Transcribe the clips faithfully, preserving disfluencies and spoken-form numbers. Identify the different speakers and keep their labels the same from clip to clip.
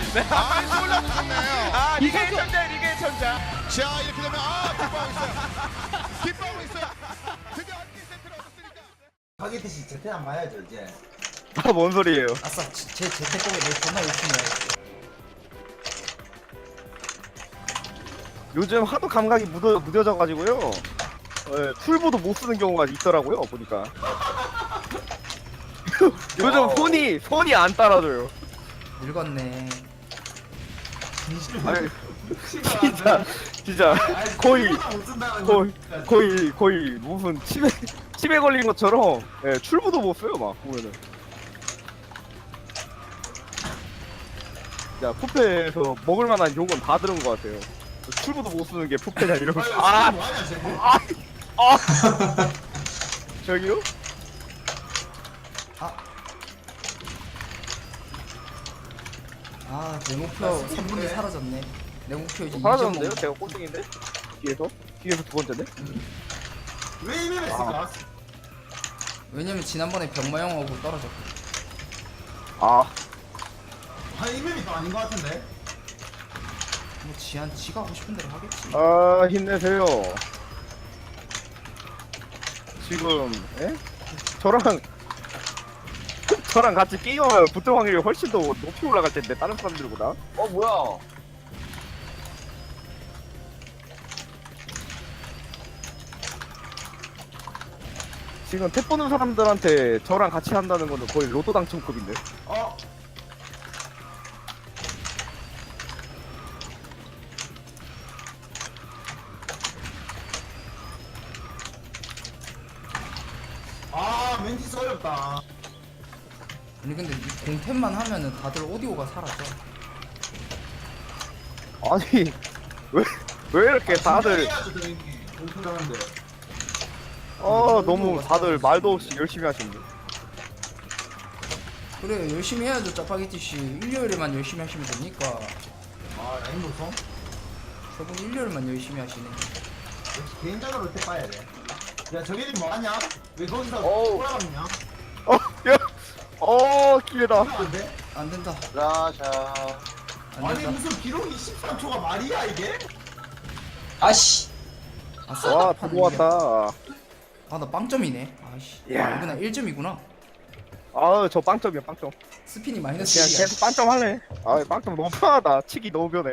Speaker 1: 아, 솔라 좋네요.
Speaker 2: 아, 리그의 천재, 리그의 천재.
Speaker 1: 자, 이렇게 되면 아, 기뻐하고 있어요. 기뻐하고 있어요. 드디어 한 개 세트를 얻었으니까.
Speaker 3: 가게듯이 제태 안 봐야죠 이제.
Speaker 4: 아, 뭔 소리예요?
Speaker 3: 아싸, 제 제태 공에 내 존나 열심히 해.
Speaker 4: 요즘 하도 감각이 무뎌, 무뎌져가지고요. 예, 툴보도 못 쓰는 경우가 있더라고요, 보니까. 요즘 손이, 손이 안 따라줘요.
Speaker 3: 늙었네.
Speaker 4: 아니, 진짜, 진짜, 거의, 거의, 거의, 거의, 무슨 치매, 치매 걸린 것처럼, 예, 출부도 못 써요, 막, 보면은. 야, 푸페에서 먹을 만한 욕은 다 들은 것 같아요. 출부도 못 쓰는 게 푸페냐, 이러고. 아! 아! 아! 저기요?
Speaker 3: 아, 내 목표 삼 분이 사라졌네. 내 목표 이제
Speaker 4: 사라졌는데요?
Speaker 3: 이점
Speaker 4: 제가 꼴등인데? 뒤에서? 뒤에서 두 번째네?
Speaker 5: 왜 이메일했을까?
Speaker 3: 왜냐면 지난번에 병마용하고 떨어졌고.
Speaker 4: 아,
Speaker 5: 아 이메일이 또 아닌 것 같은데?
Speaker 3: 뭐 지한 지가 하고 싶은 대로 하겠지.
Speaker 4: 아, 힘내세요. 지금, 에? 저랑, 저랑 같이 게임하면 붙을 확률이 훨씬 더 높이 올라갈 텐데, 다른 사람들보다. 어, 뭐야. 지금 탭 보는 사람들한테 저랑 같이 한다는 거는 거의 로또 당첨급인데.
Speaker 5: 어? 아 멘티스 어렵다.
Speaker 3: 아니 근데 이 공템만 하면은 다들 오디오가 사라져.
Speaker 4: 아니, 왜, 왜 이렇게 다들,
Speaker 5: 공통하는데.
Speaker 4: 어, 너무 다들 말도 없이 열심히 하시는데.
Speaker 3: 그래 열심히 해야죠 짜파게티씨. 일요일에만 열심히 하시면 되니까.
Speaker 5: 아 라인 노성?
Speaker 3: 저분 일요일만 열심히 하시네.
Speaker 5: 역시 개인적으로 때 봐야 돼. 야 저기는 뭐하냐? 왜 거기서
Speaker 4: 어우.
Speaker 5: 돌아가느냐?
Speaker 4: 어, 야, 어, 기회다.
Speaker 5: 안 돼?
Speaker 3: 안 된다.
Speaker 4: 라샤.
Speaker 3: 안
Speaker 5: 아니
Speaker 3: 된다.
Speaker 5: 무슨 기록이 십삼 초가 말이야 이게?
Speaker 3: 아씨. 아싸.
Speaker 4: 와, 두고 왔다.
Speaker 3: 아나 빵점이네. 아씨.
Speaker 4: 야.
Speaker 3: 아, 이구나 일 점이구나.
Speaker 4: 아, 저 빵점이야, 빵점.
Speaker 3: 스피니 마이너스
Speaker 4: 그냥
Speaker 3: 일이야.
Speaker 4: 계속 빵점 할래. 아, 빵점 너무 편하다. 치기 너무 변해.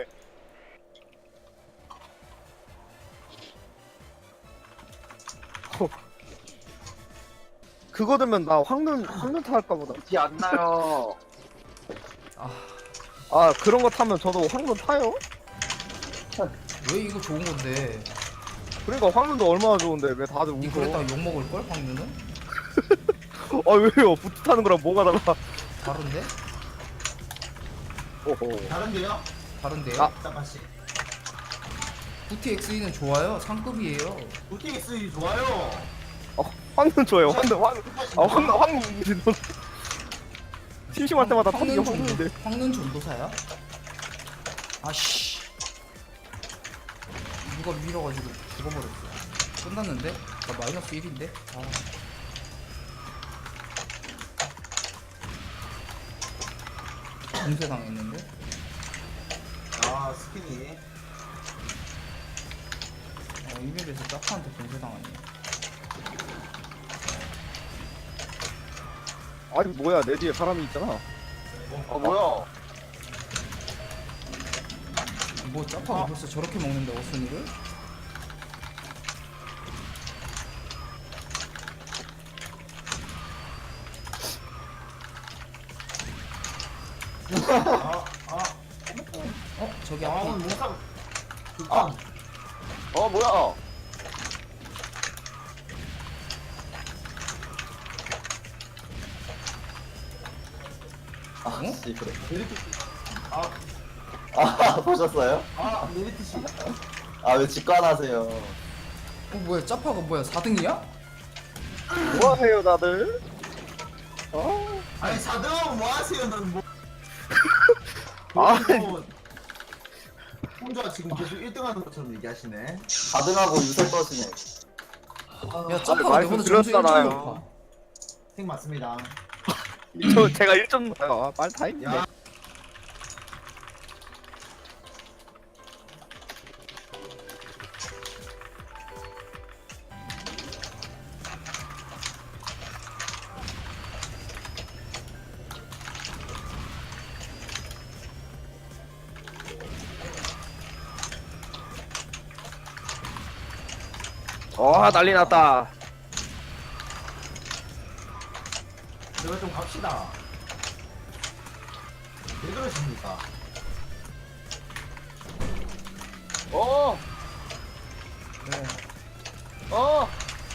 Speaker 4: 호. 그거 들면 나 황눈, 황눈타 할까 보다. 티 안 나요.
Speaker 3: 아,
Speaker 4: 아, 그런 거 타면 저도 황눈 타요?
Speaker 3: 왜 이거 좋은 건데?
Speaker 4: 그러니까 황눈도 얼마나 좋은데 왜 다들
Speaker 3: 니
Speaker 4: 웃어?
Speaker 3: 그랬다가 욕 먹을 걸 황누는?
Speaker 4: 아, 왜요? 부트 타는 거랑 뭐가 달라?
Speaker 3: 다른데?
Speaker 4: 오호.
Speaker 5: 다른데요?
Speaker 3: 다른데요?
Speaker 4: 아.
Speaker 5: 짜파씨.
Speaker 3: 부티엑스이는 좋아요. 상급이에요.
Speaker 5: 부티엑스 좋아요.
Speaker 4: 어, 황눈 좋아요. 황눈, 황, 아, 황눈, 황눈. 심심할 때마다 타는 게
Speaker 3: 황는
Speaker 4: 황눈인데.
Speaker 3: 전도, 황는 전도사야? 아씨. 누가 밀어가지고 죽어버렸어. 끝났는데? 나 마이너스 일인데? 아. 공세 당했는데?
Speaker 5: 아 스피니.
Speaker 3: 어, 이맵에서 짜파한테 공세 당하네.
Speaker 4: 아니, 뭐야, 내 뒤에 사람이 있잖아. 아, 뭐야.
Speaker 3: 뭐 짜파가
Speaker 5: 아.
Speaker 3: 벌써 저렇게 먹는데 어순이를?
Speaker 5: 아 아.
Speaker 3: 어? 저기
Speaker 5: 아
Speaker 3: 앞에
Speaker 5: 오늘
Speaker 3: 있다.
Speaker 5: 몽상. 극강.
Speaker 4: 어, 뭐야.
Speaker 3: 어?
Speaker 5: 아,
Speaker 6: 아, 보셨어요?
Speaker 5: 아 메리트 씨.
Speaker 6: 아, 왜 직관하세요?
Speaker 3: 어 뭐야 짜파가 뭐야 사 등이야?
Speaker 4: 뭐 하세요, 다들? 어?
Speaker 5: 아니 사 등하면 뭐 하세요? 넌 뭐?
Speaker 4: 아,
Speaker 5: 뭐 혼자 지금 계속 일 등 하는 것처럼 얘기하시네.
Speaker 6: 가등하고 유세 떠시네.
Speaker 3: 야 짜파가
Speaker 4: 말씀
Speaker 3: 내보다 점수 일 점
Speaker 4: 드렸잖아요.
Speaker 3: 높아.
Speaker 5: 생 맞습니다.
Speaker 4: 저, 제가 일 점, 아, 빨리 타임.
Speaker 5: 야.
Speaker 4: 와 난리 났다.
Speaker 5: 제발 좀 갑시다. 왜 그러십니까?
Speaker 4: 어.
Speaker 3: 네.
Speaker 4: 어.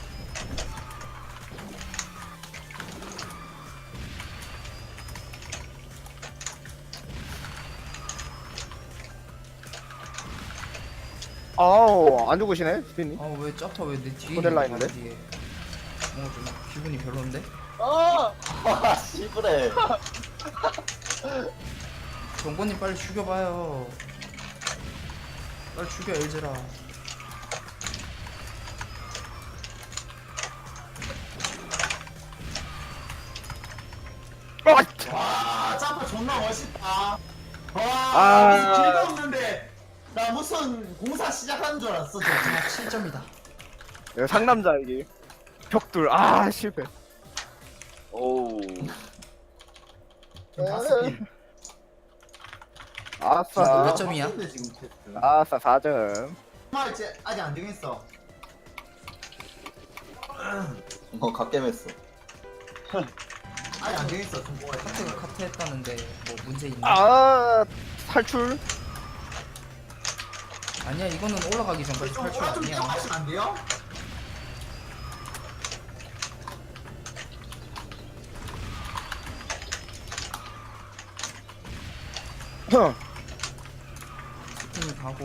Speaker 4: 아우 안 죽으시네 스피님.
Speaker 3: 아왜 짜파 왜 내 뒤에
Speaker 4: 모델라
Speaker 3: 있는 거야,
Speaker 4: 있는데?
Speaker 3: 뒤에. 뭔가 좀 기분이 별론데?
Speaker 4: 아.
Speaker 6: 아 씨부래.
Speaker 3: 정권님 빨리 죽여봐요. 빨리 죽여 엘즈라.
Speaker 5: 와, 짜파 존나 멋있다. 와,
Speaker 4: 아.
Speaker 5: 무슨 길도 없는데 나 무슨 공사 시작하는 줄 알았어. 저.
Speaker 3: 아 칠 점이다.
Speaker 4: 이거 상남자 이게 벽돌 아 실패.
Speaker 6: 오우.
Speaker 5: 지금 다섯 개.
Speaker 4: 아싸
Speaker 3: 몇 점이야?
Speaker 5: 바쁜데, 지금 테스트.
Speaker 4: 아싸 사 점.
Speaker 5: 정말 이제 아직 안 정했어.
Speaker 6: 어 갓겜했어.
Speaker 5: 아직 안 정했어. 좀 뭐가
Speaker 3: 카트가 카트 했다는데 뭐 문제 있나?
Speaker 4: 아 탈출.
Speaker 3: 아니야 이거는 올라가기 전까지
Speaker 5: 좀
Speaker 3: 탈출
Speaker 5: 뭐가 좀
Speaker 3: 아니야.
Speaker 5: 뛰어가시면 안 돼요?
Speaker 3: 팀이 가고.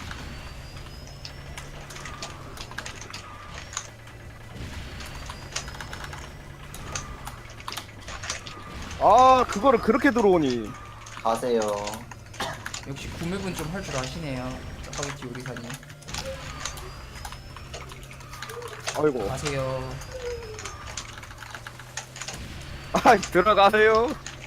Speaker 4: 아 그거를 그렇게 들어오니.
Speaker 6: 가세요.
Speaker 3: 역시 구매분 좀 할 줄 아시네요. 짜파게티 요리사님.
Speaker 4: 아이고.
Speaker 3: 가세요.
Speaker 4: 아 들어가세요.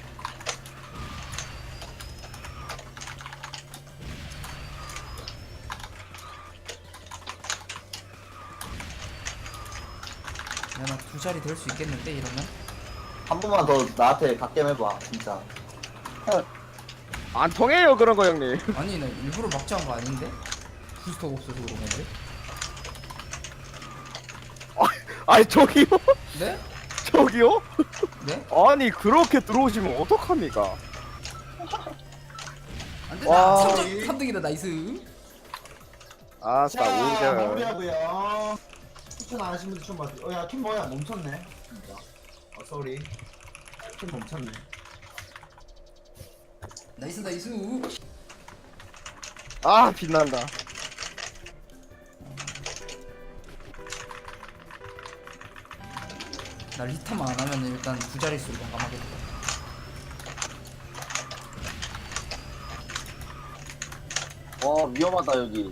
Speaker 3: 야나 두 자리 될 수 있겠는데 이러면?
Speaker 6: 한 번만 더 나한테 갓겜 해봐 진짜.
Speaker 4: 안 통해요 그런 거 형님.
Speaker 3: 아니 나 일부러 막자한 거 아닌데? 부스터가 없어서 그런 건데?
Speaker 4: 아니 저기요?
Speaker 3: 네?
Speaker 4: 저기요?
Speaker 3: 네?
Speaker 4: 아니 그렇게 들어오시면 어떡합니까?
Speaker 3: 안
Speaker 4: 와.
Speaker 3: 되잖아. 삼 점 삼 등이다 나이스.
Speaker 4: 아싸
Speaker 5: 자,
Speaker 4: 오 점.
Speaker 5: 마무리하고요. 추천 안 하신 분들 좀 봐주세요. 어, 야, 킴 뭐야? 멈췄네. 진짜. 어, 쏘리. 킴 멈췄네.
Speaker 3: 나이스 나이스.
Speaker 4: 아 빛난다.
Speaker 3: 나 리타만 안 하면 일단 두 자릿수로 공감하겠다.
Speaker 6: 와 위험하다 여기.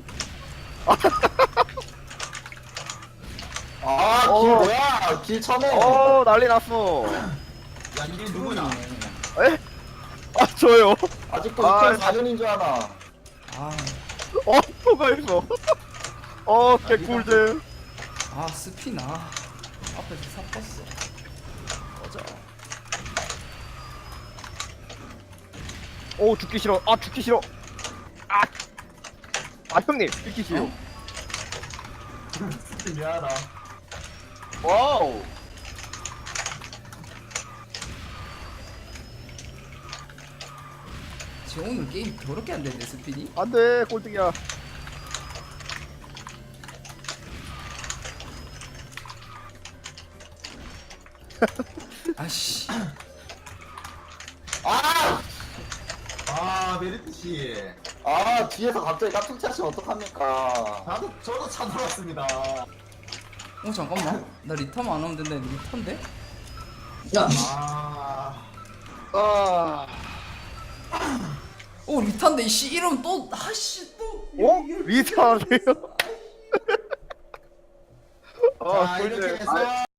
Speaker 6: 아길
Speaker 4: 어.
Speaker 6: 뭐야? 길 쳐내.
Speaker 4: 어 난리 났어.
Speaker 5: 야, 이게 누구냐?
Speaker 4: 에? 아 저요?
Speaker 6: 아직도
Speaker 4: 아.
Speaker 6: 이천사 년인 줄 아나.
Speaker 3: 아,
Speaker 4: 어 뭐가 있어? 어 개꿀잼.
Speaker 3: 아 스피나. 앞에서 삽봤어. 꺼져.
Speaker 4: 오 죽기 싫어. 아 죽기 싫어. 아. 아 형님 죽기 싫어.
Speaker 5: 진짜 미안하다.
Speaker 6: 와우.
Speaker 3: 쟤 오늘 게임 더럽게 안 되는데 스피니?
Speaker 4: 안돼 꼴등이야.
Speaker 3: 아씨.
Speaker 6: 아!
Speaker 5: 아, 메리트 씨.
Speaker 6: 아 뒤에서 갑자기 깍둑 차시면 어떡합니까?
Speaker 5: 나도, 저도 차 돌았습니다.
Speaker 3: 어 잠깐만. 나 리타만 안 하면 된다. 리타인데?
Speaker 5: 아.
Speaker 4: 아.
Speaker 3: 어 리타인데 이씨 이러면 또 아씨 또.
Speaker 4: 어? 리타하세요?
Speaker 5: 자, 이렇게
Speaker 4: 꿀잼.
Speaker 5: 해서.